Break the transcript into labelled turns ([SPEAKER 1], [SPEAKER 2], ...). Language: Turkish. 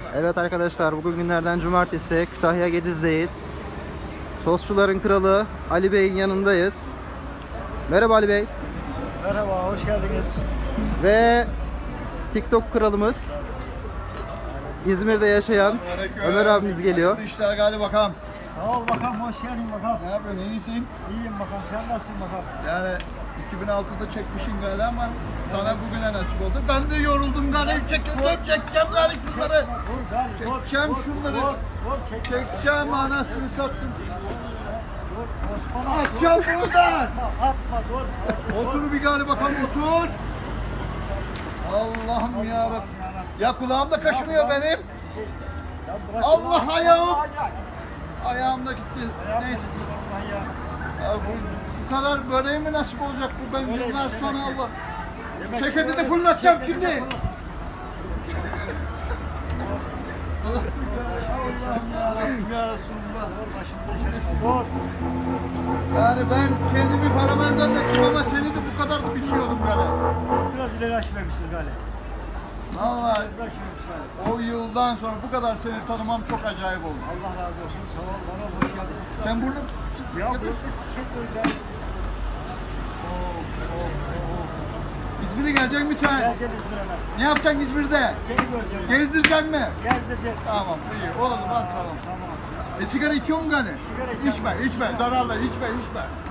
[SPEAKER 1] Evet arkadaşlar, bugün günlerden cumartesi, Kütahya Gediz'deyiz. Tostçuların kralı Ali Bey'in yanındayız. Merhaba Ali Bey.
[SPEAKER 2] Merhaba, hoş geldiniz.
[SPEAKER 1] Ve TikTok kralımız, İzmir'de yaşayan Ömer abimiz geliyor.
[SPEAKER 3] İşler galiba bakalım.
[SPEAKER 2] Sağ ol bakalım, hoş geldin bakalım.
[SPEAKER 3] Ne yapıyorsun? İyisin?
[SPEAKER 2] İyiyim bakalım, sen nasılsın bakalım?
[SPEAKER 3] Yani 2006'da çekmişsin galiba ama sana bugüne nasip oldu. Ben de yoruldum galiba. Çekeceğim galiba şunları.
[SPEAKER 2] Vur gari, vur.
[SPEAKER 3] Çekeceğim
[SPEAKER 2] Vur,
[SPEAKER 3] şunları.
[SPEAKER 2] Vur, vur, çek.
[SPEAKER 3] Çekeceğim, anasını sattım.
[SPEAKER 2] Vur, Osman'a.
[SPEAKER 3] Atacağım buradan.
[SPEAKER 2] Atma, dur.
[SPEAKER 3] Otur bir galiba bakalım, otur. Allah'ım yarabbim. Ya kulağım da kaşınıyor benim.
[SPEAKER 2] Ya bırak
[SPEAKER 3] Allah
[SPEAKER 2] şunu.
[SPEAKER 3] ayağım.
[SPEAKER 2] Ay, ay.
[SPEAKER 3] Ayağım da gitti. Neyse.
[SPEAKER 2] Allah ya.
[SPEAKER 3] Ya bu kadar böreği mi nasip olacak bu? Ben
[SPEAKER 2] Böreği
[SPEAKER 3] yıllar
[SPEAKER 2] demek
[SPEAKER 3] sonra
[SPEAKER 2] ki.
[SPEAKER 3] Allah.
[SPEAKER 2] Yemek
[SPEAKER 3] Ceketi de
[SPEAKER 2] böyle-
[SPEAKER 3] fırlatacağım
[SPEAKER 2] ceketi
[SPEAKER 3] şimdi.
[SPEAKER 2] de fırlat.
[SPEAKER 3] Allah'ım yarabbim ya Resulullah.
[SPEAKER 2] Vur, başımıza şey. Vur.
[SPEAKER 3] Yani ben kendimi fenomen zannettim ama seni de bu kadar da bilmiyordum galiba.
[SPEAKER 2] Biraz ileri aşıvermişiz galiba.
[SPEAKER 3] Vallahi
[SPEAKER 2] Biraz aşıvermişiz galiba.
[SPEAKER 3] o yıldan sonra bu kadar seni tanımam çok acayip oldu.
[SPEAKER 2] Allah razı olsun, sağ ol, bana hoş geldin.
[SPEAKER 3] Sen burada
[SPEAKER 2] Ya bu şey böyle.
[SPEAKER 3] İzmir'e gelecek mi sen?
[SPEAKER 2] Geleceğiz İzmir'e.
[SPEAKER 3] Ne yapacaksın İzmir'de?
[SPEAKER 2] Seni göreceğim.
[SPEAKER 3] Gezdireceksin mi?
[SPEAKER 2] Gezdireceğim.
[SPEAKER 3] Tamam iyi. Oğlum bak tamam.
[SPEAKER 2] Tamam.
[SPEAKER 3] Sigara içiyor musun gani?
[SPEAKER 2] Sigara içmem.
[SPEAKER 3] İçme, içme. Zararlı, içme.